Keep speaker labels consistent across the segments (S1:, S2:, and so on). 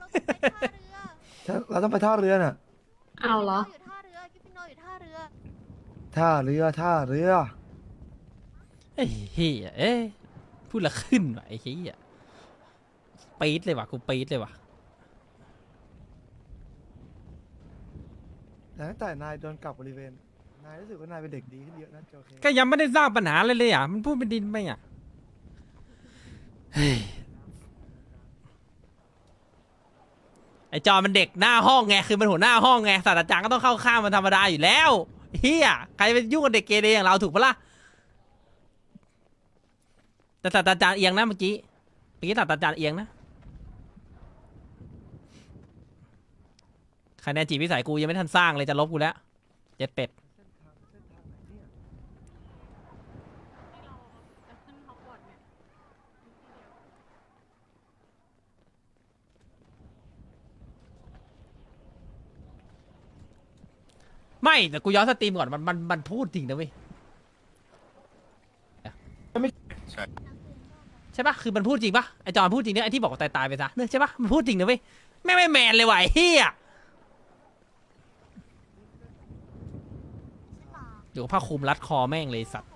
S1: เราต้องไปท่าเรือน่ะ
S2: เอาเหรอ
S3: อยู่ท่าเรือกิฟฟินโนอยู่ท่าเรือ
S1: ท่าเรือท่าเรือ
S4: ไอ้เฮียเอ้ยพูดละขึ้นว่ะไอ้เฮียปี๊ดเลยว่ะกูปี๊ดเลยว่ะ
S1: แต่ตั้งแต่นายโดนกลับบริเวณนายรู้สึกว่านายเป็นเด็กดีขึ้นเยอะนะโอเค
S4: ก็ยังไม่ได้สร้างปัญหาเลยอ่ะมันพูดเป็นดินไปอ่ะเฮ้ยไอจอมันเด็กหน้าห้องไงคือมันหัวหน้าห้องไงศาสตราจารย์ก็ต้องเข้าข้างมันธรรมดาอยู่แล้วเฮียใครไปยุ่งกับเด็กเกเรอย่างเราถูกปะล่ะแต่ศาสตราจารย์เอียงนะเมื่อกี้ศาสตราจารย์เอียงนะคะแนนจีบวิสัยกูยังไม่ทันสร้างเลยจะลบกูแล้วเจ็ดเป็ดไม่แต่กูย้อนสตรีมก่อนมันพูดจริงนะเว้ยใช่ปะคือมันพูดจริงปะไอจอนพูดจริงเนี่ยไอที่บอกว่าตายไปซะเนี่ยใช่ปะมันพูดจริงนะเว้ยไม่แมนเลยว่ะไอ้เฮียเดี๋ยวผ้าคลุมรัดคอแม่งเลยสัตว์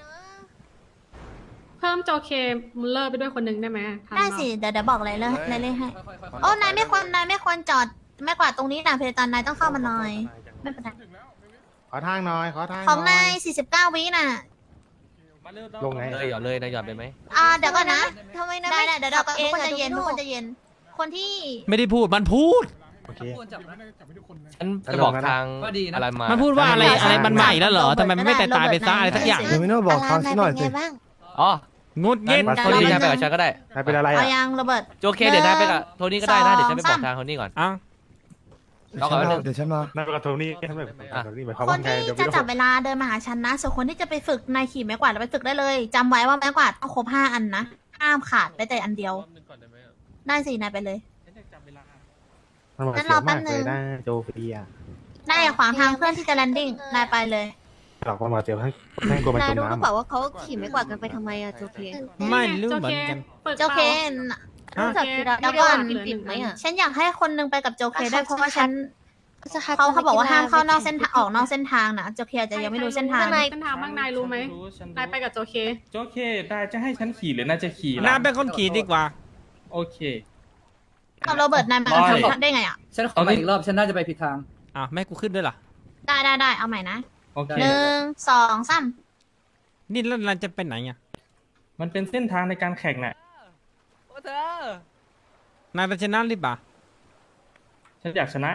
S2: เพิ่มโจเคมุลเลอร์ไปด้วยคนหนึ่งได้ไหมทัน
S3: ได้
S2: เปล่า
S3: สิเดี๋ยวบอกเลยเลยให้โอ้นายไม่ควรจอดไม่กว่าตรงนี้นะเพจตอนนายต้องเข้ามาหน่อยไม่เป็นไร
S5: ขอทางหน่อยขอทาง
S3: ของ
S5: หน่
S3: นา
S5: อย
S3: ย49 วิน่ะ
S5: ลงไง
S6: เลยหย่อนเลยนายหย่อนไปไหม
S3: เดี๋ยวก่อนนะทำไมนายไม่เดี๋ยวทุกคนจะเย็นทุกคนจะเย็นคนที่
S4: ไม่ได้พูดมันพูด
S5: โอเค
S6: ฉันจะบอกทางอะไรมา
S4: มันพูดว่าอะไรมันใหม่แล้วเหรอทำไมมันไม่ตายไปซะอะไรสักอย่าง
S1: เดี๋ยวไม่ต้องบอกทางสักหน่อยสิ
S6: อ๋อง
S4: ดเย็น
S6: โทนี่นายไปกับฉันก็ได้
S5: นายเป็นอะไร
S3: เอา
S5: อ่ะ
S3: ยังโรเบิร์ต
S6: โอเคเดี๋ยวนายไปกับโทนี่ก็ได้นะเดี๋ยวฉันไปบอก
S3: 2 3
S6: ทางโทนี่ก่อน
S4: อ่ะ
S6: รอก่อนแป๊บนึง
S1: เดี๋ยวฉันมา
S5: นายเป็นกับโทนี่ทำไมโทนี่หมายความ
S3: ค
S5: ว่าน ไง
S3: ที่
S5: เดี๋ยว
S3: จะ
S5: ไม่
S3: จั
S5: รู้
S3: บเวลาเดินมาหาฉันนะส่วนคนที่จะไปฝึกนายขี่ไม้กวาดเราไปฝึกได้เลยจำไว้ว่าไม้กวาดต้องครบ5 อันนะห้ามขาดไปแต่อันเดียวได้สินายไปเลย
S5: มันหวาดเสียวมากเลยนะโจฟีอ่ะ
S3: นายอย่าขวางทางเพื่อนที่จะแลนดิ้งนายไปเลย
S5: หลอกความหวาดเสียวให้ให้กลัวมันจมน้ำ
S3: ว่าเขาขี่ไม้กวาดกันไปทำไมอะโจเค
S4: ไม่รู้เหมือนกัน
S2: เปิด
S3: โจเค
S4: ฮะ
S2: โจเค
S3: แล้วก็ฉันอยากให้คนนึงไปกับโจเคได้เพราะว่าฉันเขาบอกว่าห้ามเข้านอกเส้นทางออกนอกเส้นทางนะโจเคอาจจะยังไม่รู้เส้นทาง
S2: เส้นทางบ้างนายรู้ไหมนายไปกับโจเค
S7: โอเคนายจะให้ฉันขี่หรือนายจะขี่
S4: น้าเป็นคนขี่ดีกว่า
S7: โอเค
S3: กับโรเบิร์ตนายมาทำได้ไงอ่ะ
S8: ฉันขอไปอีกรอบ ฉันน่าจะไปผิดทาง
S4: อ่ะแม่กูขึ้นด้วยเหรอ
S3: ได้เอาใหม่นะ
S7: โอเค
S3: 1 2 3
S4: นี่แล้วเราจะไปไหนอ่ะ
S7: มันเป็นเส้นทางในการแข่งน่ะ
S6: โอ้เธอน
S4: ายจะชนะหรือเปล่า
S7: ฉันอยากชนะ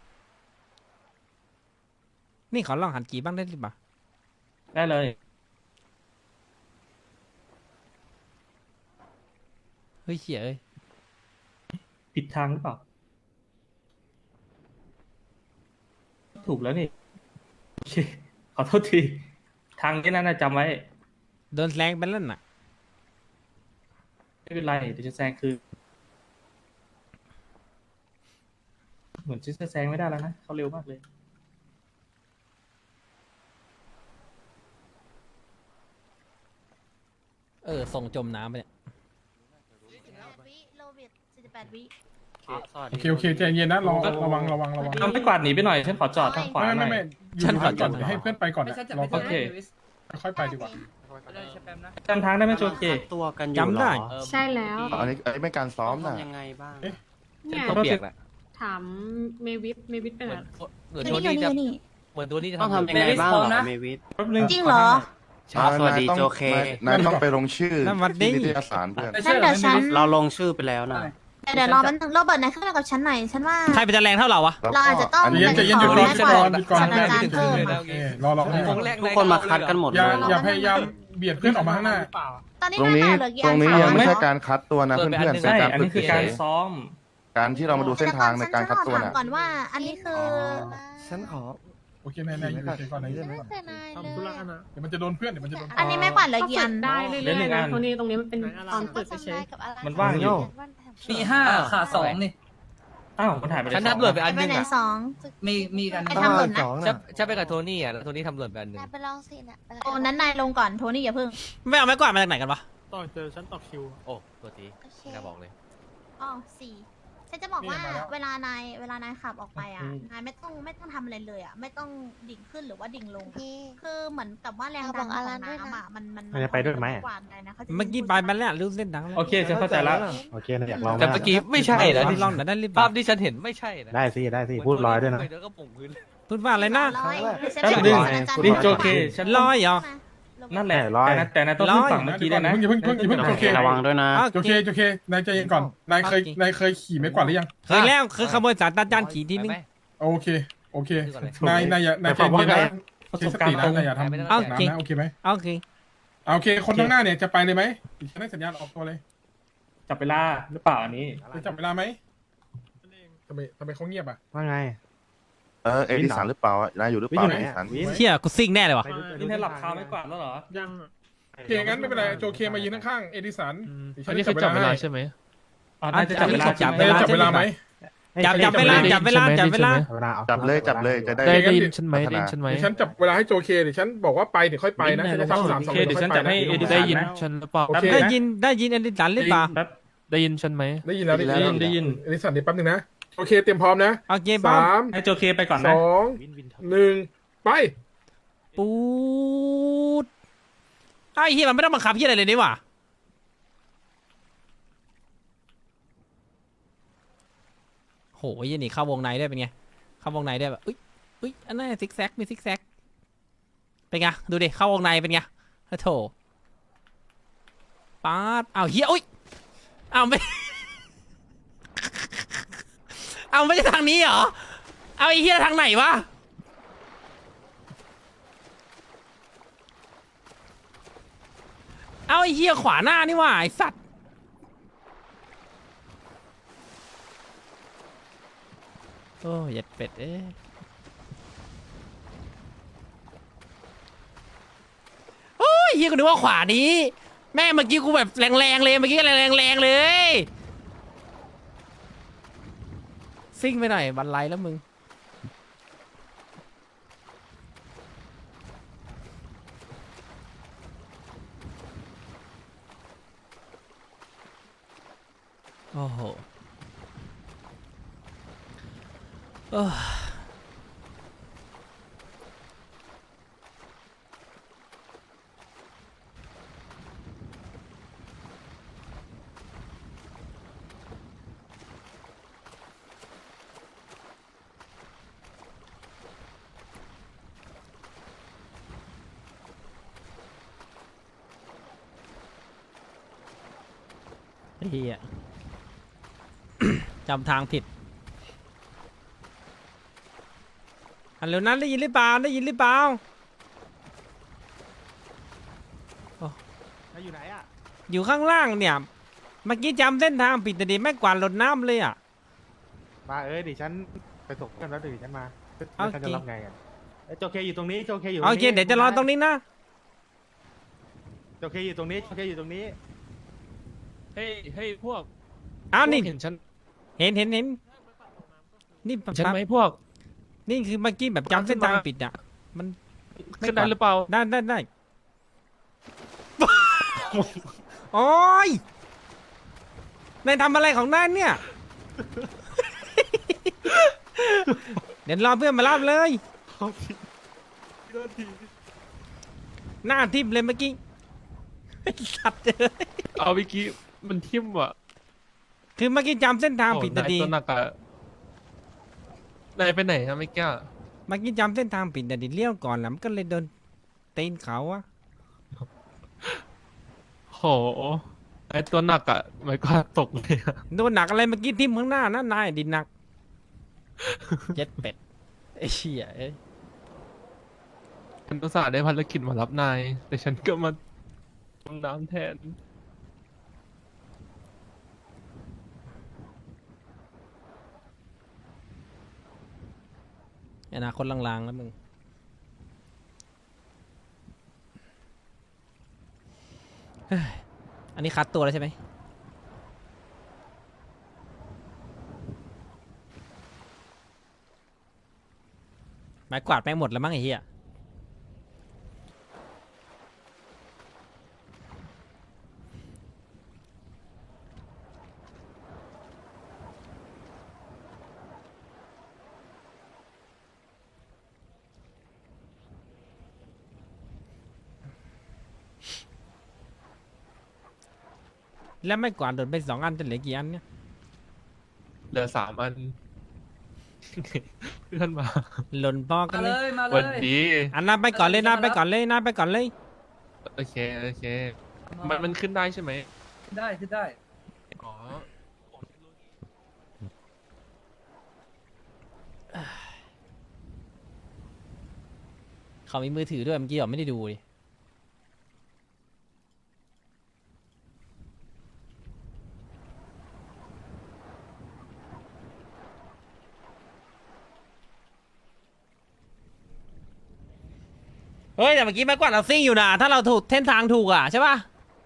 S4: นี่ขอลองหันกี่บ้างได้หรือเปล่า
S7: ได้เลย
S4: เฮ้ยเขี่ยเอ้ย
S7: ผิดทางหรือเปล่า ถูกแล้วนี่ โอเค ขอโทษที ทางนี้นะจำไว้
S4: โดนแรงไปแล้วน่ะ
S7: ไม่เป็นไร เดี๋ยวจะแซงคือ เหมือนจะแซงไม่ได้แล้วนะ เขาเร็วมากเลย
S4: ส่งจมน้ำไปเนี่ย
S3: โรเบิร์ต48 วิ
S9: โอเคใจเย็นนะระวัง
S7: ทำให้กวาดหนีไปหน่อย ฉันขอจอดทางขวาหน่อย
S9: ไม่
S4: ฉันขอจ
S9: ก่
S4: อ
S9: อ
S4: ด
S9: นให้เพื่อนไปก่อน
S8: ไม่ใช่จะ
S9: รอ
S8: ไป
S9: ก่อน
S7: โอเค
S9: ค่อยไปดีกว่า
S7: จำทางได้ไหมโจเค
S5: ตัวกันอยู่
S4: จำได้
S2: ใช่แล้ว
S5: อันนี้ไม่การซ้อมน่ะ
S8: ยังไงบ้าง
S2: เนี่ย
S6: ต้องเปียกแหละ
S2: ถามเมวิทไปไหน
S6: เหมือนโทนี่จะเหมือนโทนี่จะ
S8: ต้องทำยังไงบ้างเหรอเมวิท
S7: แป๊บนึง
S3: จริงเหรอ
S5: สวัสดีโจเคน
S9: ายต้องไปลง
S5: ชื่อ
S4: แล้ววันนี้
S5: นิตยสารเพื่อน
S3: งั้นเดี๋ยวฉัน
S8: เราลงชื่อไปแล้วนะ
S3: เดี๋ยวรอแป๊บนึงโรเบิร์ตนายขึ้นมากับฉันหน่อยฉันว่า
S4: ใครเป็นจะแรงเท่าเราวะ
S3: เราอาจจะต้อง
S9: ใจเย็นหยุดก่อน
S3: ขอ
S9: หยุดก่อน
S3: ศาสตราจารย์เพิ่ม
S9: โอเครอ
S8: ทุกคนมาคัดกันหมด
S9: อ
S8: เล
S9: ย่าย พยายามเบียดเพื่อนออกมาข้างหน้า
S3: ตอนนี้
S5: ตรงนี้
S3: นายเหลือกี่
S5: ต
S3: อั
S5: รง
S3: น
S5: นี้
S3: คะ
S5: ยังไม่ใช่การคัดตัวนะเพื่อนๆ
S7: ใช่
S5: เป็นการ
S7: อัน
S5: ฝึ
S7: นี้
S5: ก
S7: คือ
S5: เฉ
S7: การ
S5: ย
S7: ซ้อม
S5: การที่เรามาดูเส้นทางในการคัดตัวน่ะ
S3: ก่อนว่า อันนี้คือ
S1: ฉันขอ
S9: โอเคนายอยู่เฉยๆก่อนนายอยู่เฉยๆก่อน
S3: ทำธุระนะ
S9: เดี๋ยวมันจะโดนเพื่อน
S3: อันนี้ไม่กวาดเหลือ
S2: ก็
S3: กี่
S2: ฝึ
S3: อั
S2: ก
S3: น
S2: ได้เรื่
S7: เหลือหนึ่
S2: อย
S7: ง
S2: ๆ
S7: อั
S2: นะ
S7: น
S2: ตรงนี้มันเป็นตอนฝึกเฉย
S7: มันว่างอยู่
S8: มี5ขาด2นี่
S7: อ้าว มันหายไปเลย
S6: ฉันนับหล่นไปอัน
S3: ไป
S6: นึง
S3: ไหน
S6: อ่ะ
S3: 2
S8: มีกัน
S3: ไอ้ทำหล่นนะ
S1: สอง
S6: ฉัน
S1: น่ะ
S6: ฉันไปกับโทนี่อ่ะแล้วโทนี่ทำหล่นไปอันนึง
S3: ไปลองสินะโอ้นั้นนายลงก่อนโทนี่อย่าเพิ่ง
S4: ไม่เอาไม้กวาดมาจากไหนกันวะ
S9: ต่อเจอฉันต่อคิว
S6: โอ้ตัวทีน่าบอกเลย
S3: อ๋อ4 ฉันจะบอกว่า
S9: นี่มาแล้ว
S3: เวลานายขับออกไปอ่ะนายไม่ต้องทำอะไรเลยอ่ะไม่ต้องดิ่งขึ้นหรือว่าดิ่งลง คือเหมือนกับว่าแรงดันของน้ำอ่ะมัน
S5: มันจะไปด้วยไหม
S3: กว่าไงนะขาจะ
S4: เมื่อกี้ไปมาแล้วรู้เส้นดังแล้ว
S7: โอเคฉันเข้าใจแล้ว
S5: โอเคนะอยากลอง
S6: แต่เมื่อกี้ไม่ใช่นะ
S4: ลองหน่อยได้หรือเป
S6: ภา
S4: ล่า
S6: พที่ฉันเห็นไม่ใช่นะ
S5: ได้สิพูดลอยด้วยนะ
S6: เดี๋ยวก็ปุ่งพื้น
S4: พูดว่าอะไรนะ
S3: ร้อย
S7: แป๊บนึงนี่โจเคฉัน
S4: ลอยเหรอ
S7: นั่นแหละ
S5: ร้อย
S7: แต่นายต้องขึ้นฝั่งเมื่อกี้ด้วยนะ
S9: อย่าเพิ่งโจเค
S8: ระวังด้วยนะ
S9: โจเคนายใจเย็นก่อนนายเคยขี่ไม้กวาดหรือยัง
S4: เคยแล้วคือขโมยสารตาจานขี่ทีนึง
S6: ไป
S9: โอเคนายอย่านายใจเย็นนะ
S7: ประ
S9: ใช้
S7: สบ
S9: ส
S7: การ
S9: ติ
S7: ณ์
S9: นะ
S7: ตรง
S9: นายอย่าทำ
S4: เอา
S9: น้ำนะโอเคไหม
S4: โอเค
S9: โอเคคนข้างหน้าเนี่ยจะไปเลยไหมฉันให้สัญญาณออกตัวเลย
S7: จับเวลาหรือเปล่าอันนี้
S9: จะจับเวลาไหมทำไมเขาเงียบอ่ะ
S5: ว่าไง
S10: เอดิสันหรือเปล่านายอยู่หรือเป
S5: วิน
S10: ล่า
S5: อยู่ไหน
S10: เอดิ
S5: อะ
S10: สัน
S5: วิน
S4: เชี่ยกูซิ่งแน่เลยว่ะ
S7: นี่นายหลับคาไม่กวาดแล้วเหรอ
S2: ยัง
S9: โอเคงั้นไม่เป็นไรโจเคมายืนข้างๆเอดิสัน
S11: อันนี้คือจับเวลาใช่ไหม
S7: อ๋อนายจะจับเวลา
S4: จับ
S9: นายจะจับเวลาไหม
S4: จับเวลาจับเวลา
S5: เวลาเอา
S10: จับเลยจะได้
S11: ได้ยินฉันไหมได้ยินฉันไหม
S9: เดี๋ยวฉันจับเวลาให้โจเคเดี๋ยวฉันบอกว่าไปเดี๋ยวค่อยไปนะฉันจะทำ3-2
S7: โอเคเดี๋ยวฉันจับให้เอดิสั
S11: ได้
S7: น
S11: ยิน
S7: นะ
S11: ฉันหรือเปล่า
S9: โอเค
S4: ได้ยินอดิสันหรือเปล่า
S7: แป๊บ
S11: ได้ยินฉันไหม
S9: ได้ยินแล้ว
S7: ได้ยิน
S9: เอดิสันเดี๋ยวแป๊บนึงนะโอเคเตรียมพร้อมนะ
S4: โอเคป้อม
S9: 3
S7: ให้โจเคไปก่อนนะ
S9: 2 1ไป
S4: ปูดไอ้เฮียมันไม่ต้องบังคับเฮียอะไรเลยนี่หว่าโหยี่นี่เข้าวงในได้เป็นไงเข้าวงในได้แบบอุ้ยอันนั้นซิกแซกมีซิกแซกเป็นไงดูดิเข้าวงในเป็นไงโถป๊าดอ้าวเฮียอุ้ยอ้าวไม่ เอาไม่ใช่ทางนี้เหรอเอาไอ้เฮียทางไหนวะเอาไอ้เฮียขวาหน้านี่ว่าไอ้สัตว์โอ้ยเย็ดเป็ดเอ้ยโอ้ยเฮียกูนึกว่าขวานี้แม่เมื่อกี้กูแบบแรงๆเลยเมื่อกี้แรงๆเลยซิ่งไปหน่อยบันไลแล้วมึงโอ้โหเฮีย จำทางผิดอันเร็วนั้นได้ยินหรือเปล่า
S5: อยู่ไหนอ่ะ
S4: อยู่ข้างล่างเนี่ยเมื่อกี้จำเส้นทางผิดแต่ดิแม่กวาดรถน้ำเลยอ่ะ
S5: มาดิฉันไปส่งเพื่อนแล้วเดี๋ยวฉันมา
S4: โอเค
S5: ฉันจะรับไงอ่ะโจเคอยู่ตรงนี้โจเคอยู่
S4: โอเคเดี๋ยวจะรอตรงนี้นะ
S5: โจเคอยู่ตรงนี้โจเคอยู่ตรงนี้
S11: เฮ้ยพวก
S4: อ้าวนี่
S11: เห็นฉัน
S4: เห็นนี่
S11: ฉันไหมพวก
S4: นี่คือเมื่อกี้แบบจำเส้นทางผิดอ่ะมัน
S11: ขึ้นได้หรือเปล่า
S4: ได้ โอ้ยนายทำอะไรของนายเนี่ย เดี๋ยวรอเพื่อนมารับเลย หน้าทิ่มเลยเมื่อกี้ไอ้สัตว์เลย
S11: เอาเมื่อกี้มันทิ่มว่ะ
S4: คือเมื่อกี้จำเส้นทางผิด
S11: โอ้
S4: นะดี
S11: นายตัวหนักอะนายไปไหนฮะไม่กล้า
S4: เมื่อกี้จำเส้นทางผิดนะดีเลี้ยวก่อนแล้วมันก็เลยโดนตีนเขาอะ
S11: โหไอตัวหนักอะไม่กล้าตกเลยอะ
S4: โดนหนักอะไรเมื่อกี้ทิ่มข้างหน้านะนายดินหนัก เจ็ดเป็ดไอ้เชี่ยเอ้ย
S11: ฉันอุตส่าห์ได้ภารกิจมารับนาย แต่ฉันก็มาจมน้ำแทน
S4: อนาคตลางๆแล้วมึงเฮ้ยอันนี้คัดตัวแล้วใช่ไหมไม้กวาดแม่งหมดแล้วมั้งไอ้เหี้ยแล้วไม่กวาดหล่นไป2 อันจะเหลือกี่อันเนี่ย
S11: เหลือ3 อัน เพื่อนมา
S4: หล่นพอกัน
S8: มา
S4: เล
S8: เลย ยมาเล
S11: วัน
S8: ย
S11: ดี
S4: อันนั้นไปก่อนเลยนะไปก่อนเลยนะไปก่อนเลย
S11: โอเคโอเค มันขึ้นได้ใช่ไหม
S8: ได้ขึ้นได้
S11: อ๋อ
S4: เขามีมือถือด้วยเมื่อกี้ผมไม่ได้ดูดิเฮ้ยแต่เมื่อกี้ไม่กวาดเราซิ่งอยู่นะถ้าเราถูกเส้นทางถูกอ่ะใช่ป่ะ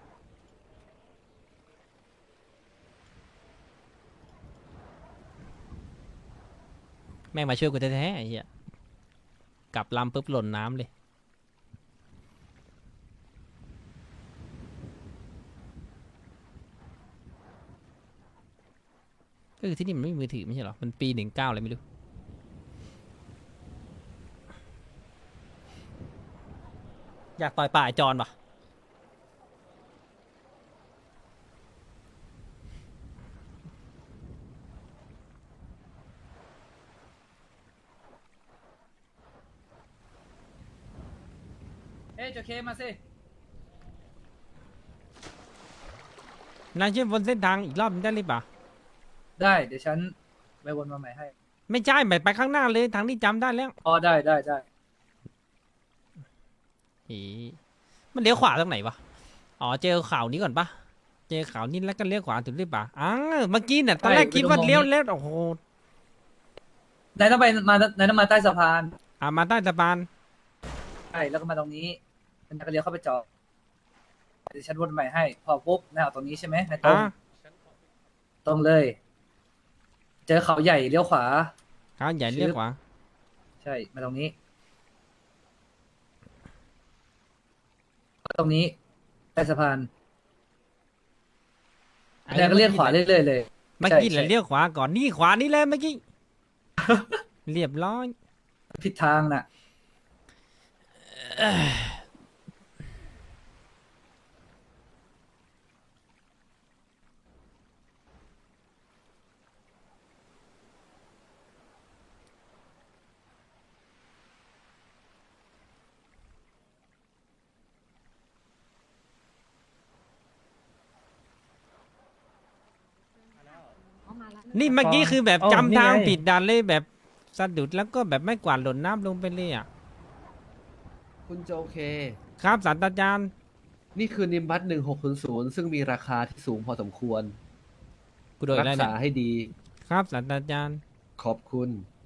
S4: แม่งมาช่วยกูแท้ๆไอ้เหี้ยกลับลำปุ๊บหล่นน้ำเลยก็คือที่นี่มันไม่มีมือถือไม่ใช่หรอมันปี 19อะไรไม่รู้อยากต่อยป่าไอ้จอนปะ
S8: เอ้ยโจเคมาสิ
S4: นายช่วยวนเส้นทางอีกรอบนึงได้หรือเปล่า
S8: ได้เดี๋ยวฉันไปวนมาใหม่ให้
S4: ไม่ใช่ไปข้างหน้าเลยทางที่จำได้แล้ว
S8: อ๋อได้ได้ได้
S4: อีมันเลี้ยวขวาตรงไหนวะอ๋อเจอข่าวนี้ก่อนปะเจอข่าวนี้แล้วก็เลี้ยวขวาถูกหรือเปล่าเมื่อกี้เนี่ยตอนแรกคิดว่าเลี้ยวแล้วโอ้โห
S8: นายต้องไปนายต้องมาใต้สะพาน
S4: มาใต้สะพาน
S8: ใช่แล้วก็มาตรงนี้นายก็เลี้ยวเข้าไปจอดเดี๋ยวฉันวนใหม่ให้ พอปุ๊บนายเอาตรงนี้ใช่ไหมนายตรงตรงเลย เจอเขาใหญ่เลี้ยวขวา
S4: เขาใหญ่เลี้ยวขวา
S8: ใช่มาตรงนี้ ตรงนี้ใต้สะพานนายก็เลี้ยวขวาเรื่อยๆเลย
S4: เมื่อกี้แหละเลี้ยวขวาก่อนนี่ขวานี่เลยเมื่อกี้ เรียบร้อย
S8: ผิดทางน่ะ
S4: นี่เมื่อกี้คือแบบจำทางผิดดันเลยแบบสะดุดแล้วก็แบบไม่กวาดหล่นน้ำลงไปเลยอ่ะ
S6: คุณโจเค
S4: ครับศาสตราจารย์
S6: นี่คือนิมบัต1600ซึ่งมีราคาที่สูงพอสมควร
S4: กูโดน
S6: รั
S4: แล้ว
S6: ษา
S4: เนี่ย
S6: ให้ดี
S4: ครับศาสตราจารย์
S6: ขอบคุณ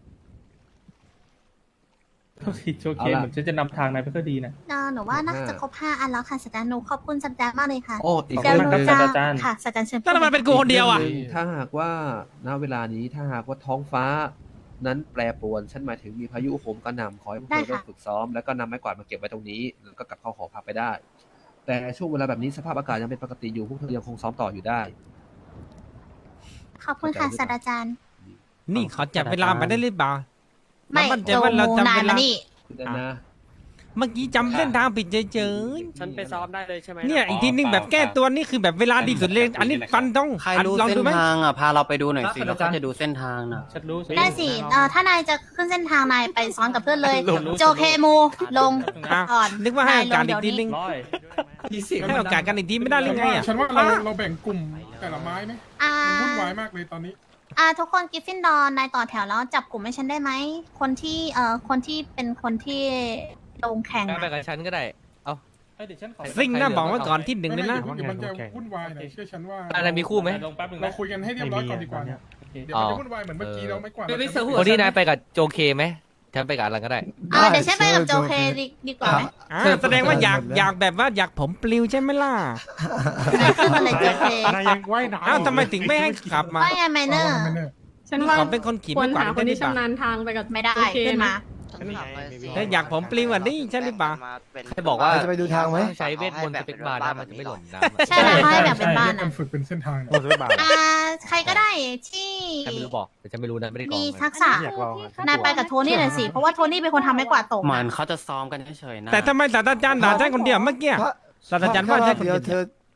S7: โทษทีโจเค
S6: เอาล่ะ
S7: เหมือนฉันจะนำทางนายไปก็ดีนะ
S3: หนูว่าน่าจะครบ5 อันแล้วค่ะสัจจารย์หนูขอบคุณสัจจารย์มากเลยค่ะ
S6: โอ้อีก
S3: เดี๋ยว
S6: เรื่อง
S3: หนู
S6: หนึง
S3: จะ
S7: ศาสตราจารย์
S3: ค่ะสัจจารย์เชิญ
S4: แล้วทำไมเป็นกูคนเดียวอ่ะ
S6: ถ้าหากว่าณเวลานี้ถ้าหากว่าท้องฟ้านั้นแปรปรวนฉันหมายถึงมีพายุโหมกระหน่ำขอให้พวกเธอเริ่มฝึกซ้อมแล้วก็นำไม้กวาดมาเก็บไว้ตรงนี้แล้วก็กลับเข้าหอพักไปได้ แต่ช่วงเวลาแบบนี้สภาพอากาศยังเป็นปกติอยู่พวกเธอยังคงซ้อมต่ออยู่ได้
S3: ขอบคุณค่ะสัจจารย์
S4: นี่เขาจับเวลาไปได้หรือเปล่า
S3: ไม่
S4: เรามั่นใจ
S3: โจ
S4: ว่าเรา
S3: มู
S4: จำ
S3: นาย
S4: เว
S3: มา
S4: ลา
S3: นี่
S6: คุณนะ
S4: เมื่อกี้จำเส้นทางผิดเฉย
S8: ฉันไปซ้อมได้เลยใช่ไหม
S4: ๆเนี่ยอีกทีนึงแบบแก้ตัวนี่คือแบบเวลาดีสุดเลยอันนี้ฟันต้อง
S8: ใคร
S4: อัน
S8: รู้
S4: ลอง
S8: เส้
S4: ดู
S8: น
S4: ไหม
S8: ทางอ่ะพาเราไปดูหน่อยสิ
S7: ครับ
S8: เราก็จะดูเส้นทางน่ะ
S7: ฉันรู้
S3: ได้สิถ้านายจะขึ้นเส้นทางนายไปซ้อนกับเพื่อนเลย โจเคมูลง
S4: อ่ะ
S3: ก่อน
S4: นึกว่าให้
S3: นาย
S4: โอกาส
S3: ลง
S4: อีกที
S3: เดี๋ยวนี้
S4: นึง
S7: ร้อย
S4: ให้โอกาสกันอีกทีไม่ได้หรือไงอ่ะ
S9: ฉันว่าเราแบ่งกลุ่มแต่ละไม้ไหม
S3: อ่า
S9: มันวุ่นวายมากเลยตอนนี้
S3: ทุกคนกิฟฟินดอร์นายต่อแถวแล้วจับกลุ่มให้ฉันได้ไหมคนที่เป็นคนที่ลงแข่ง
S6: ไป
S3: อะ
S6: กับฉันก็ได้
S7: เดี๋ยวฉันขอ
S4: ซิ่งนะบอกไว้ก่อนที่หนึ่งเลยนะ
S9: เดี๋ยวมันจะวุ่นวายนะเชื่อฉันว่า
S6: อะไรมีคู่ไหม
S7: ลงแป๊บนึง
S9: เรา
S7: นะ
S9: คุยกันให้เรียบร้อยก่อนดีกว่าเนี่ยเดี๋ยวมันจะวุ่นวายเหมือนเมื่อกี้เราไม่กวาด
S6: คนที่นายไปกับโจเคไหมฉันไปกับอะไรก็ได้
S3: เดี๋ยวฉันไปกับโจเคดีกว่าไหม
S4: แสดงว่าอยากแบบว่าอยากผมปลิวใช่ไหมล่ะ
S3: ขึ้นมาเลยโจเค
S5: นายยังว่ายน้ำ
S4: อ้าวทำไมถึงไม่ให้ขับมา
S3: ว่าไงไมเนอร์
S2: ฉันว่า
S4: ขอเป็นคนขี่
S2: คว
S4: ไม่
S2: ร
S4: กวาด
S2: หาค
S4: ได้
S2: น
S4: หรื
S2: ที่
S4: อเปล่า
S2: ชำนาญทางไปกับ
S3: ไม่ได้
S2: โอเค
S3: ขึ้นมา
S4: ถ้าอยากผมปลิวอ่ะนี่ใช่หรือเปล่า
S6: ใครบอกว่า
S1: จะไปดูทางไหม
S6: ใช้เวทมนต์สเปกบาร์ได้มันจะไม่หล่นน้ำ
S3: ใช่แล้วให้แบบเป็นบ้าน
S9: มั
S3: อ่ะ
S9: นฝึกเป็นเส้นทาง
S5: โอ้ยบาท
S3: ใครก็ได้ที่
S6: ใครไม่รู้บอกแต่ฉันไม่รู้นะไม่ได้กรอง
S3: มี
S6: เลย
S3: ทักษะ
S5: อยากลองอะ
S3: นายไปกับโทนี่หน่อยสิเพราะว่าโทนี่เป็นคนทำไม้กวาดตก
S8: เหมือนเขาจะซ้อมกันเฉยๆนะ
S4: แต่ทำไมศาสตราจารย์ด่าฉันคนเดียวเมื่อกี้ ศาสตราจารย์ว่าใช่คน
S1: เดียว
S4: เดี
S1: เธ
S4: ยว
S1: อ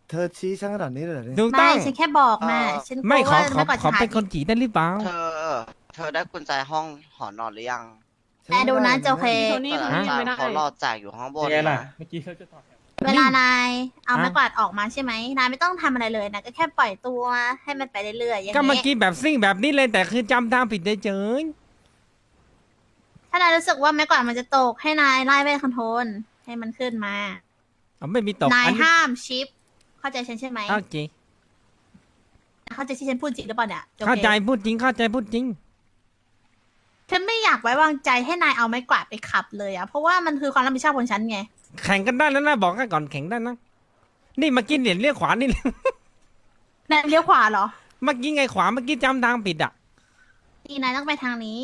S1: เธอชี้ฉันขนาดนี้เลยเหรอเนี่ย
S4: ถูก
S3: ไม่
S4: ต้อง
S3: ฉันแค่บอกนะฉันกลัว
S4: ไม่ขอ
S3: ว่าแม่กวาด
S4: ขอ
S3: จะหา
S4: เป็นคนจีได้หรือเปล่า
S12: เธอได้กุญแจห้องหอนอนหรือยัง
S1: ฉั
S3: แต่ดูนะโจเค
S2: โทนี่โทนี่ยังไม่ได้
S12: เขารอจ่ายอยู่ข้างบน
S7: ยังไงล่ะ
S12: นะ
S7: เมื่อกี้เขาจะต่อแถว
S3: เวลานายเอาไม้กวาดออกมาใช่ไหมนายไม่ต้องทำอะไรเลยนะก็แค่ปล่อยตัวให้มันไปเรื่อยๆอย่าง
S4: ก็เมื่อ
S3: นี้
S4: กี้แบบซิ่งแบบนี้เลยแต่คือจำทางผิดเฉย
S3: ถ้านายรู้สึกว่าไม้กวาดมันจะตกให้นายไล่เวทคอนโทรลให้มันขึ้นมา
S4: ๆเอาไม่มีตก
S3: นาย
S4: อันนี้
S3: ห้ามชิป เข้าใจฉันใช่ไหม
S4: โอเค
S3: เข้าใจที่ฉันพูดจริงหรือเปล่าเนี่ยโจค
S4: เข้าใจพูดจริงเข้าใจพูดจริง
S3: ฉันไม่อยากไว้วางใจให้นายเอาไม้กวาดไปขับเลยอะเพราะว่ามันคือความรับผิดชอบของฉันไง
S4: แข่งกันได้แล้วนะบอกกันก่อนแข่งได้นะนี่เมื่อกี้เหรียญเลี้ยวขวานี่
S3: นายเลี้ยวขวาเหรอ
S4: เมื่อกี้ไงขวาเมื่อกี้จำทางผิดอ่ะ
S3: นี่นายต้องไปทางนี้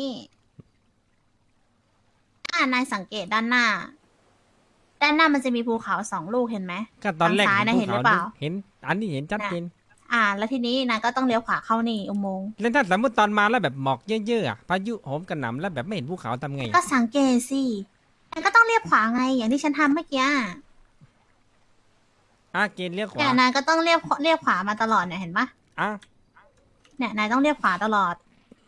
S3: นายสังเกตด้านหน้า ด้านหน้ามันจะมีภูเขา2 ลูกเห็นไหม
S4: ก็ตอนแรก
S3: ทางซ้ายนะ
S4: ภู
S3: เห็นหรือเปล่า
S4: เห็นอันนี้เห็นชัดเจน
S3: แล้วทีนี้นายก็ต้องเลี้ยวขวาเข้านี่อุโมงค์
S4: แล้วถ้าสมมติตอนมาแล้วแบบหมอกเยอะๆอะพายุโหมกระหน่ำแล้วแบบไม่เห็นภูเขาทำไง
S3: ก็สังเกตสินายก็ต้องเลี้ยวขวาไง อย่างที่ฉันทำเมื่อกี้
S4: เกณฑ์เลี้ยวขวา
S3: เนี่ยนายก็ต้องเลี้ยวขวามาตลอดเนี่ยเห็นปะ
S4: อ่ะ
S3: เนี่ยนายต้องเลี้ยวขวาตลอด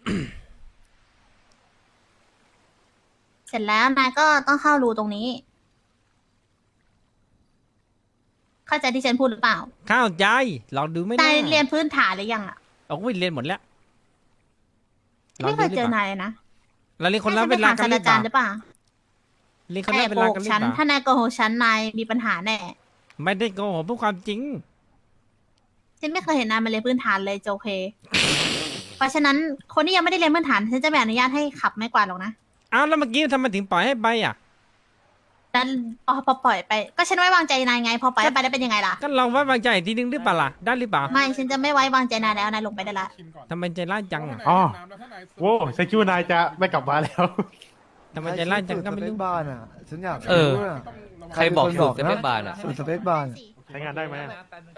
S3: เสร็จแล้วนายก็ต้องเข้ารูตรงนี้ เข้าใจที่ฉันพูดหรือเปล่า
S4: เข้าใจลองดูไม่ได้
S3: นายเรียนพื้นฐานหรือยังอ่ะ
S4: เอาวิ่งเรียนหมดแล้วลอง
S3: ไม่เค
S4: ดู
S3: ย
S4: ดิ
S3: เจอ
S4: ปะ
S3: นายเลยนะ
S4: เราเรียนคนละ
S3: ให้
S4: เว
S3: ฉั
S4: ลา
S3: ไป
S4: กัน
S3: ถาม
S4: ห
S3: ศาส
S4: รือ
S3: ตรา
S4: เป
S3: จาร
S4: ล่า
S3: ย์หรือเปล่า
S4: เรียนคน
S3: แอ
S4: ละ
S3: บ
S4: เว
S3: โก
S4: ลา
S3: ห
S4: กัน
S3: ก
S4: หรือ
S3: ฉัน
S4: เปล่า
S3: ถ้านายโกหกฉันนายมีปัญหาแน่
S4: ไม่ได้โกหกพูดความจริง
S3: ฉันไม่เคยเห็นนายมาเรียนพื้นฐานเลยโจเค เพราะฉะนั้นคนที่ยังไม่ได้เรียนพื้นฐานฉันจะไม่อนุญาตให้ขับไม้กวาดหรอกนะ
S4: อ้าวแล้วเมื่อกี้ทำไมถึงปล่อยให้ไปอ่ะ
S3: แล้วพอปล่อยไป ก็ฉันไว้วางใจนายไง พอปล่อยให้ไปได้เป็นยังไงล่ะ
S4: ก็ลองไว้วางใจอีกทีนึงหรือเปล่าล่ะได้หรือเปล่า
S3: ไม่ฉันจะไม่ไว้วางใจนายแล้วนายลงไปได้ละ
S4: ทำไมใจร้ายจังอ่ะ
S5: อ๋อโว้ฉันคิดว่านายจะไม่กลับมาแล้ว
S4: ทำไมใจร้ายจังก็ไม่
S1: สเป
S4: รู้
S1: คบ้านอ่ะ ฉันอยาก
S11: เออ
S1: รู้อะ
S11: ใครบอก
S1: เป็นน
S11: สูตรสเปคบาร์อะ
S1: สูตรสเปคบ้าน
S5: ใช้งานได้ไหม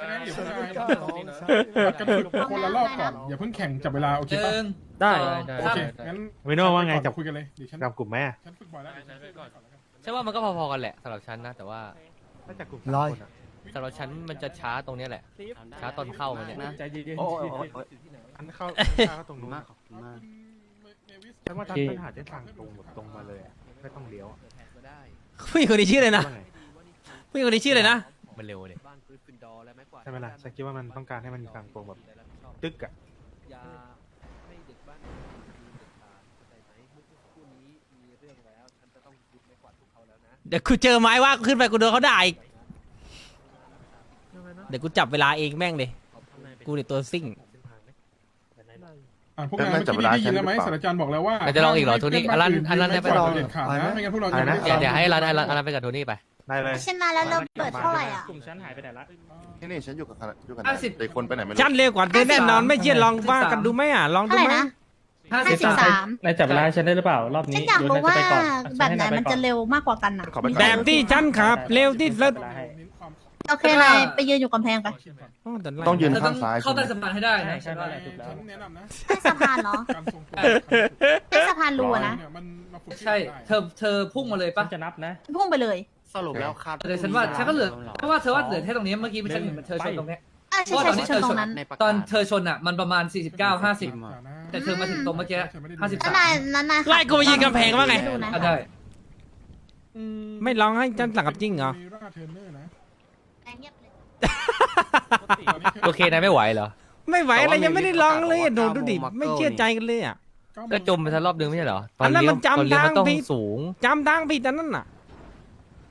S9: กันฝึกคนละรอบก่อน อย่าเพิ่งแข่งจับเวลา โอเคปะ
S7: ได้
S9: โอเค งั้น
S5: วิโน่ว่าไงจับ
S9: คุยกันเลยเดี๋ยวฉัน
S5: จับกลุ่มไหมอะ
S9: ฉันฝึกบ่อยแล้วเดี๋ยวฉันฝึกก่อนแล้วกัน
S11: ใช่ว่ามันก็พอๆกันแหละสำหรับฉันนะ แต่ว่า
S5: ถ้าจับกลุ่ม
S1: ร้อย
S5: คนอะ
S11: สำหรับฉันมันจะช้าตรงเนี้ยแหละ ช้าตอนเข้ามันเนี่ย
S7: ใจเย็น
S6: โอ้โอ้โอ้โอ้
S5: อันเข้าตรงนู้นฉันว่าทางพื้นฐานจะทางตรงหมดตรงมาเลยอะไม่ต้องเลี้ยวอะ
S4: ผู้หญิงคนนี้ชื่ออะไรนะ
S5: ว่าไง
S4: ผู้หญิงคนนี้ชื่ออะไรนะ
S11: มันเร็วเลย
S5: ใช่ไหมล่ะฉันคิดว่ามันต้องการให้มันมีทางตรงแบบตึกอะ
S6: อย่าให้เด็กบ้านเข้าใจไหมเมื่อสักครู่นี้มีเรื่องแล้วฉันจะต้องยึดไม้กวาดพวกเขาแล้วนะ
S4: เดี๋ยวกูเจอไม้ว่าขึ้นไปกูโดนเขาด่าอีกเดี๋ยวกูจับเวลาเองแม่งเลยกูเนี่ยตัวซิ่ง
S9: พวกนายเมื่อกี้ได้ยินแล้วไหมศาสตราจารย์บอกแล้วว่า
S11: เราจะลองอีกเหรอโทนี่อันนั้นได้
S9: ไป
S11: ไป
S9: ต่อเด็ดขาดนะไม่งั้นพวกเราจะไม่ได้
S11: เดี๋ยวให้ร้านไปกับโทนี่ไป
S5: ได้เลย
S3: ฉันมาแล้วเราเปิดเท่าไหร่อ่ะ
S7: กลุ่มฉันหายไปไหนละ
S10: นี่ฉันอยู่กับ
S8: 50
S10: เด็กคนไปไหนไม่รู้
S4: ฉันเร็วกว่าเธอแน่นอนไม่เชื่อลองว่ากันดูไหมอ่ะลองดู
S3: เท่าไหร่
S4: ไหม
S3: นะ 53
S7: นายจับเวลาฉันได้หรือเปล่ารอบ
S3: ฉั
S7: นี้
S3: นอยากรู้ว่า
S7: หนจะไปก่อน
S3: แบบไหนมันจะเร็วมากกว่ากันนะ
S4: แบบที่ฉันขับเร็วที่สุด
S3: โอเคนายไปยืนอยู่กำแพงไป
S10: ต้องยืนข้างซ้าย
S8: เข้าใต้สะพานให้ได้นะ
S7: ใช่นั่นแหละถูกแล้ว
S9: ฉันแนะนำนะ
S3: ใต้สะพานเหรอ
S9: การทรงตัว
S3: ใต้สะพานรูอะนะ
S9: เนี่ยมันมาฝึก
S8: ใช่ เธอพุ่งมาเลย
S7: ฉั
S8: ปะ
S7: นจะนับนะ
S3: พุ่งไปเลย
S10: สรุปแล้วครับ
S8: แต่ฉันว่าฉันก็เหลือเพราะว่าเธอว่าเหลือแค่ตรงนี้เมื่อกี้ฉันเห็นเธอชนตรงเนี้ย
S3: ใช่ใช่ใช่ชนตรงนั้น
S8: ตอนเธอชนอ่ะมันประมาณ 49 50 แต่เธอมาถึงตรงเมื่อกี้
S3: แล้วนายขับ
S4: ไล่กูไปยืนกำแพงว่าไง
S3: ดูนะ
S8: ได้
S4: ไม่ลองให้ฉันสั่งกับจริงเหรอ
S9: มีราเทรนเนอร์นะ
S3: เงียบเลย
S11: โอเคนายไม่ไหวเหรอ
S4: ไม่ไหวอะไรยังไม่ได้ลองเลยอะดูดิไม่เชื่อใจกันเลยอ่ะ
S11: ก็จมไปสักรอบนึงไม่ใช่เหรอ
S4: อันนั้นมันจำ
S11: ตอนเลี้ยวมันต้อง
S4: ทางผิด
S11: สูง
S4: จำทางผิดอันนั้นน่ะ